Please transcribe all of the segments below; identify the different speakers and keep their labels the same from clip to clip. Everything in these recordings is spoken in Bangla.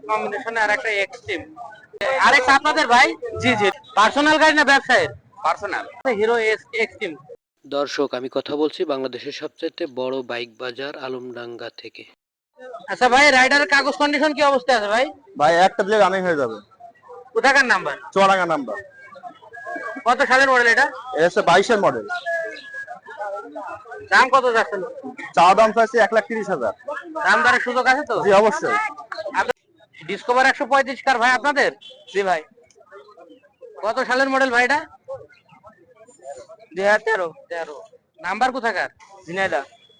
Speaker 1: কম্বিনেশনে আর একটা এক্সট্রিম। আরেকটা আপনাদের ভাই? জি জি। পার্সোনাল গাড়ি না ব্যবসায়ের? পার্সোনাল। Hero Xtreme.
Speaker 2: দর্শক, আমি কথা বলছি বাংলাদেশের সবচেয়ে বড় বাইক বাজার আলমডাঙ্গা থেকে।
Speaker 1: আচ্ছা ভাই, রাইডারের কাগজ কন্ডিশন কি অবস্থা আছে ভাই?
Speaker 3: ভাই একটা দিলে রানিং হয়ে যাবে।
Speaker 1: কোথাকার নাম্বার?
Speaker 3: চুয়াডাঙ্গা নাম্বার।
Speaker 1: কত সালের মডেল এটা?
Speaker 3: এটা হচ্ছে 22-এর মডেল।
Speaker 1: দাম কত যাচ্ছে?
Speaker 3: চা দাম চাইছে 1,30,000।
Speaker 1: দাম দরের সুযোগ আছে তো?
Speaker 3: জি অবশ্যই।
Speaker 1: ডিসকভার 135 কার ভাই আপনাদের? জি ভাই। কত সালের মডেল ভাই এটা? 2013। নাম্বার কোথাকার? ঝিনাইদহ।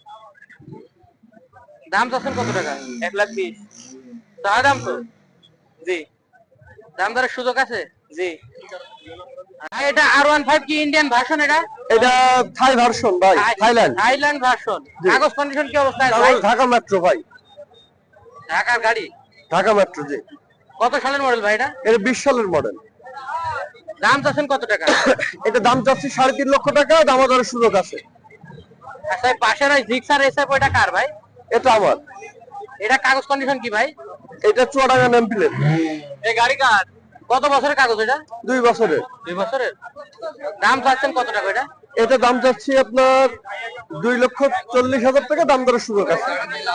Speaker 1: দাম চাচ্ছেন কত টাকা? 1,20,000। চা দাম তো? জি। দাম দরের সুযোগ আছে? জি। এটা R15 কি ইন্ডিয়ান ভার্সন?
Speaker 3: এটা থাই ভার্সন ভাই,
Speaker 1: থাইল্যান্ড ভার্সন। কাগজ কন্ডিশন কি অবস্থা আছে ভাই?
Speaker 3: ঢাকা মেট্রো ভাই।
Speaker 1: ঢাকার গাড়ি?
Speaker 3: ঢাকা মেট্রো জি।
Speaker 1: কত সালের মডেল ভাই এটা?
Speaker 3: এটা 20 সালের মডেল।
Speaker 1: দাম চাচ্ছেন কত টাকা?
Speaker 3: এটা দাম চাচ্ছি 3.5 লক্ষ টাকা, দামাদারের সুযোগ আছে।
Speaker 1: আচ্ছা, পাশের ওই জিক্সার এসএফ ওইটা কার ভাই?
Speaker 3: এটা আমার।
Speaker 1: এটা কাগজ কন্ডিশন কি ভাই?
Speaker 3: এটা চুয়াডাঙ্গা নেম প্লেট।
Speaker 1: এই গাড়ি কার? কত বছরের কাগজ এটা?
Speaker 3: 2 বছরের।
Speaker 1: 2 বছরের। দাম চাচ্ছেন কত টাকা এটা?
Speaker 3: এটা দাম চাচ্ছি আপনার 2,40,000 টাকা, দাম দরের সুযোগ আছে।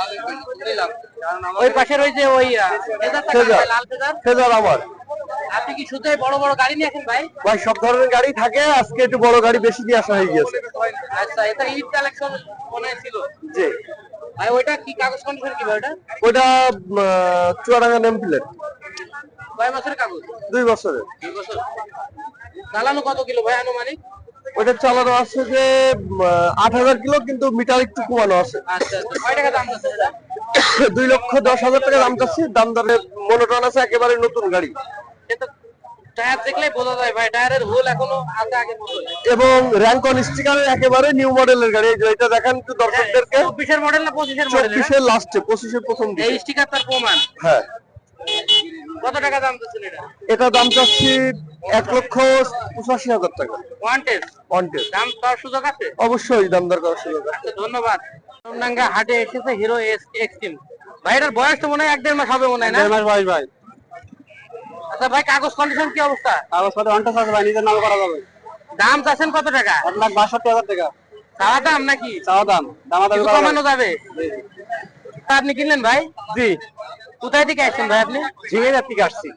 Speaker 1: ওই পাশের ওই যে ওই লাল
Speaker 3: ফেজার আমার।
Speaker 1: আপনি কি শুধু বড় বড় গাড়ি নিয়েছেন ভাই?
Speaker 3: ভাই সব ধরনের গাড়ি থাকে, আজকে একটু বড় গাড়ি বেশি নিয়ে আসা হয়ে গেছে।
Speaker 1: আচ্ছা, এটা ঈদ কালেকশন মনে ছিল।
Speaker 3: জি
Speaker 1: ভাই, ওইটা কি কাগজ কন্ডিশন কি ভাই ওটা?
Speaker 3: ওটা চুয়াডাঙ্গা নেম প্লেট।
Speaker 1: কয় বছরের কাগজ?
Speaker 3: 2 বছরের।
Speaker 1: 2 বছর। চালানো কত কিলো ভাই আনুমানিক?
Speaker 3: ওটা চালানো আছে যে 8,000 কিলো, কিন্তু মিটার একটু কমানো আছে।
Speaker 1: আচ্ছা আচ্ছা। কয় টাকা দাম আছে এটা?
Speaker 3: 2,10,000 টাকা দাম চাচ্ছি। দাম দরে মনোটন আছে, একেবারে নতুন গাড়ি।
Speaker 1: এটা টায়ার দেখলেই বোঝা যায় ভাই, টায়ারের হোল এখনো আছে আগের মতো।
Speaker 3: এবং র‍্যাঙ্ক অন স্টিকারের একেবারে নিউ মডেলের গাড়ি। এটা দেখেন একটু দর্শকদেরকে।
Speaker 1: 24-এর মডেল না 25-এর মডেল?
Speaker 3: 24-এর লাস্টে, 25-এর প্রথম দিকে।
Speaker 1: এই স্টিকার তার প্রমাণ?
Speaker 3: হ্যাঁ।
Speaker 1: কত টাকা দাম দিচ্ছেন এটা?
Speaker 3: এটা দাম চাচ্ছি 1,85,000 টাকা।
Speaker 1: One test. দাম পাওয়ার সুযোগ আছে?
Speaker 3: অবশ্যই দাম দর করার সুযোগ আছে।
Speaker 1: আচ্ছা, ধন্যবাদ। আলমডাঙ্গা হাটে এসেছে হিরো এক্সট্রিম। ভাই এটার বয়স তো মনে হয় 1-1.5 মাস হবে মনে হয় না?
Speaker 3: 1.5 মাস বয়স ভাই।
Speaker 1: আচ্ছা ভাই, কাগজ কন্ডিশন কি অবস্থা?
Speaker 3: কাগজপত্র অনটেস আছে ভাই, নিজের নামে করা যাবে।
Speaker 1: দাম চাচ্ছেন কত টাকা?
Speaker 3: 1,62,000 টাকা।
Speaker 1: চাওয়া দাম নাকি?
Speaker 3: চাওয়া দাম, দামাদামি করা
Speaker 1: কমানো যাবে? আপনি কিনলেন ভাই?
Speaker 3: জি।
Speaker 1: কোথায় থেকে আসছেন ভাই আপনি?
Speaker 3: ঝিঙের থেকে আসছি।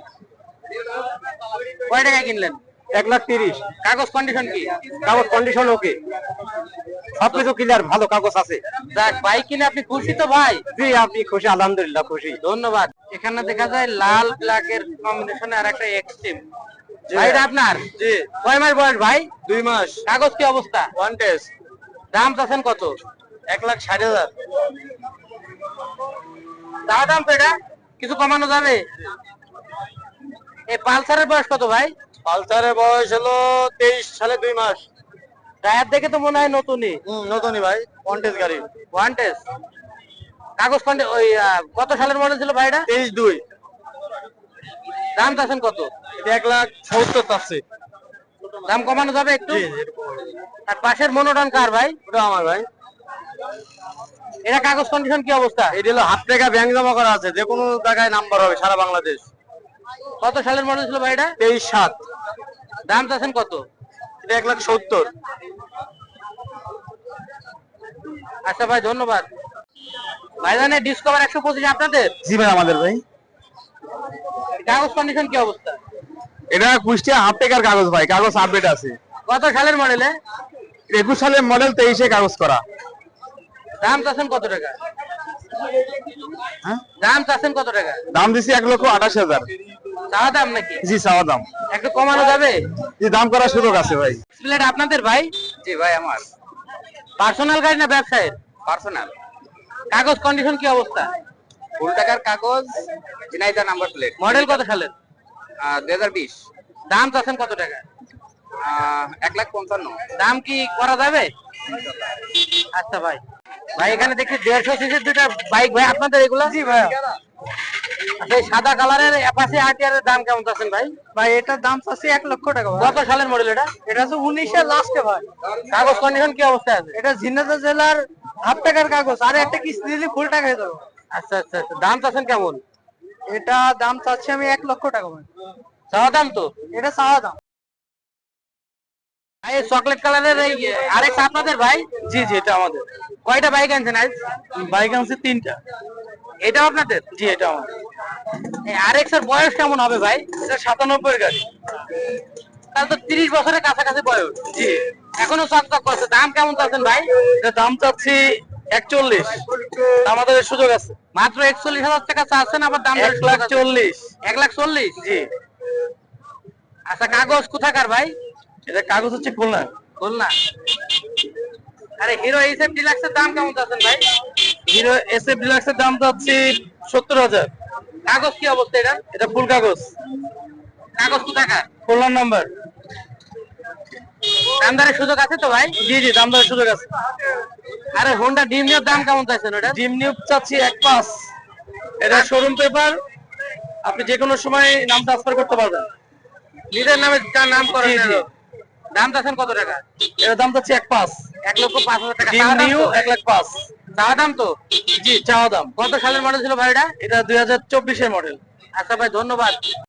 Speaker 1: কয় টাকা কিনলেন?
Speaker 3: 1,30,000।
Speaker 1: কাগজ কন্ডিশন কি?
Speaker 3: কাগজ কন্ডিশন ওকে, সবকিছু ক্লিয়ার, ভালো কাগজ আছে।
Speaker 1: যাক, বাইক কিনে আপনি খুশি তো ভাই?
Speaker 3: জি, আপনি খুশি? আলহামদুলিল্লাহ খুশি।
Speaker 1: ধন্যবাদ। এখানে দেখা যায় লাল ব্ল্যাকের কম্বিনেশনে আর একটা এক্সট্রিম। ভাই এটা আপনার?
Speaker 3: জি।
Speaker 1: কয় মাস বয়স ভাই?
Speaker 3: 2 মাস।
Speaker 1: কাগজ কি অবস্থা?
Speaker 3: One test.
Speaker 1: দাম চাচ্ছেন কত?
Speaker 3: 1,60,000।
Speaker 1: দাম দাম তো এটা কিছু কমানো যাবে? এই পালসারের বয়স কত ভাই?
Speaker 3: পালসারের বয়স হলো 23 সালে 2 মাস।
Speaker 1: টায়ার দেখে তো মনে হয় নতুনই।
Speaker 3: নতুনই ভাই, ওয়ান টেস্ট গাড়ি।
Speaker 1: One test. কাগজ ওই কত সালের মডেল ছিল ভাই এটা?
Speaker 3: 23-2।
Speaker 1: দাম চাচ্ছেন কত?
Speaker 3: 1,70,000 চাচ্ছি।
Speaker 1: দাম কমানো যাবে একটু? আর পাশের মনোটন কার ভাই?
Speaker 3: ওটা আমার ভাই।
Speaker 1: এটা কাগজ কন্ডিশন কি অবস্থা?
Speaker 3: এটা হলো হাফ টাকা ব্যাংক জমা করা আছে, যে কোনো জায়গায় নাম্বার হবে সারা বাংলাদেশ।
Speaker 1: কত সালের মডেল ছিল ভাই এটা?
Speaker 3: 23-7।
Speaker 1: দাম চাচ্ছেন কত?
Speaker 3: এটা 1,70,000।
Speaker 1: আচ্ছা ভাই, ধন্যবাদ। ভাইজানের ডিসকভার 125 আপনাদের?
Speaker 3: জি ভাই, আমাদের ভাই।
Speaker 1: কাগজ কন্ডিশন কি অবস্থা?
Speaker 3: এটা কুষ্টিয়া হাফ টাকার কাগজ ভাই, কাগজ আপডেট আছে।
Speaker 1: কত সালের মডেলে?
Speaker 3: 21 সালের মডেল, 23-এ কাগজ করা।
Speaker 1: দাম চাচ্ছেন কত টাকা?
Speaker 3: হ্যাঁ,
Speaker 1: দাম চাচ্ছেন কত টাকা?
Speaker 3: দাম দিছি 1,28,000।
Speaker 1: চাওয়া দাম নাকি?
Speaker 3: জি, চাওয়া দাম।
Speaker 1: একটু কমানো যাবে?
Speaker 3: জি, দাম করার সুযোগ আছে ভাই।
Speaker 1: প্লেট আপনাদের ভাই?
Speaker 3: জি ভাই, আমার।
Speaker 1: পার্সোনাল গাড়ি না ব্যবসায়ের?
Speaker 3: পার্সোনাল।
Speaker 1: কাগজ কন্ডিশন কি অবস্থা?
Speaker 3: ফুল টাকার কাগজ, ঝিনাইদহ নাম্বার প্লেট।
Speaker 1: মডেল কত সালের?
Speaker 3: 2020।
Speaker 1: দাম চাচ্ছেন কত টাকা?
Speaker 3: 1,55,000।
Speaker 1: দাম কি করা যাবে? আচ্ছা ভাই। ভাই এখানে দেখছি 150 সিসির দুইটা বাইক ভাই আপনাদের এগুলা?
Speaker 3: জি ভাই।
Speaker 1: আচ্ছা, এই সাদা কালারের অ্যাপাচি আরটিআর এর দাম কেমন চাচ্ছেন ভাই?
Speaker 3: ভাই এটার দাম চাচ্ছি 1,00,000 টাকা।
Speaker 1: কত সালের মডেল এটা?
Speaker 3: এটা হচ্ছে 19-এর লাস্টে ভাই।
Speaker 1: কাগজ কন্ডিশন কি অবস্থা আছে?
Speaker 3: এটা ঝিনাইদহ জেলার হাফ টাকার কাগজ, আর একটা কিস্তি দিলে ফুল টাকা হয়ে যাবে।
Speaker 1: আচ্ছা আচ্ছা আচ্ছা। দাম চাচ্ছেন কেমন? এটা দাম চাচ্ছি আমি 1,00,000 টাকা ভাই। চাওয়া দাম তো? এটা চাওয়া দাম। ভাই চকলেট কালারের এই আরেক আপনাদের ভাই?
Speaker 3: জি জি, এটা আমাদের।
Speaker 1: কয়টা বাইক আনছেন আজ?
Speaker 3: বাইক আনছে 3টা।
Speaker 1: এটাও আপনাদের?
Speaker 3: জি, এটা আমাদের।
Speaker 1: এই আরেক্স এর বয়স কেমন হবে ভাই?
Speaker 3: এটা 97 এর গাড়ি।
Speaker 1: তাহলে তো 30 বছরের কাছাকাছি বয়স।
Speaker 3: জি।
Speaker 1: এখনো চকচক করছে। দাম কেমন চাচ্ছেন ভাই?
Speaker 3: এটা দাম চাচ্ছি 41, আমাদের সুযোগ আছে।
Speaker 1: মাত্র 41,000 টাকা চাচ্ছেন, আবার দাম
Speaker 3: 1,40,000।
Speaker 1: 1,40,000?
Speaker 3: জি।
Speaker 1: আচ্ছা, কাগজ কোথাকার ভাই?
Speaker 3: এটা কাগজ হচ্ছে খুলনা।
Speaker 1: খুলনা। আরে হিরো এইচএফ ডিলাক্সের দাম কেমন চাচ্ছেন ভাই?
Speaker 3: হিরো এসএফ ডিলাক্সের দাম চাচ্ছি 70,000।
Speaker 1: কাগজ কি অবস্থা এটা?
Speaker 3: এটা ফুল কাগজ,
Speaker 1: কাগজ কোথাকার?
Speaker 3: খুলনার নাম্বার।
Speaker 1: দামদারের সুযোগ আছে তো ভাই?
Speaker 3: জি জি, দাম দেওয়ার সুযোগ আছে।
Speaker 1: আরে হোন্ডা ড্রিম নিউর দাম কেমন চাইছেন ওটা?
Speaker 3: ডিম নিউ চাচ্ছি 1,5। এটা শোরুম পেপার, আপনি যে কোনো সময় নাম ট্রান্সফার করতে পারবেন।
Speaker 1: নিজের নামে যার নাম করেন
Speaker 3: জি,
Speaker 1: না
Speaker 3: জি।
Speaker 1: তো? দাম চাচ্ছেন কত টাকা?
Speaker 3: এর দাম চাচ্ছি 1,5।
Speaker 1: 1,05,000 টাকা।
Speaker 3: ডিম
Speaker 1: চাওয়া দাম
Speaker 3: নিউ
Speaker 1: তো?
Speaker 3: 1,5,000।
Speaker 1: চাওয়া দাম তো?
Speaker 3: জি, চাওয়া দাম।
Speaker 1: কত সালের মডেল ছিল ভাই এটা?
Speaker 3: এটা 2024 এর মডেল।
Speaker 1: আচ্ছা ভাই, ধন্যবাদ।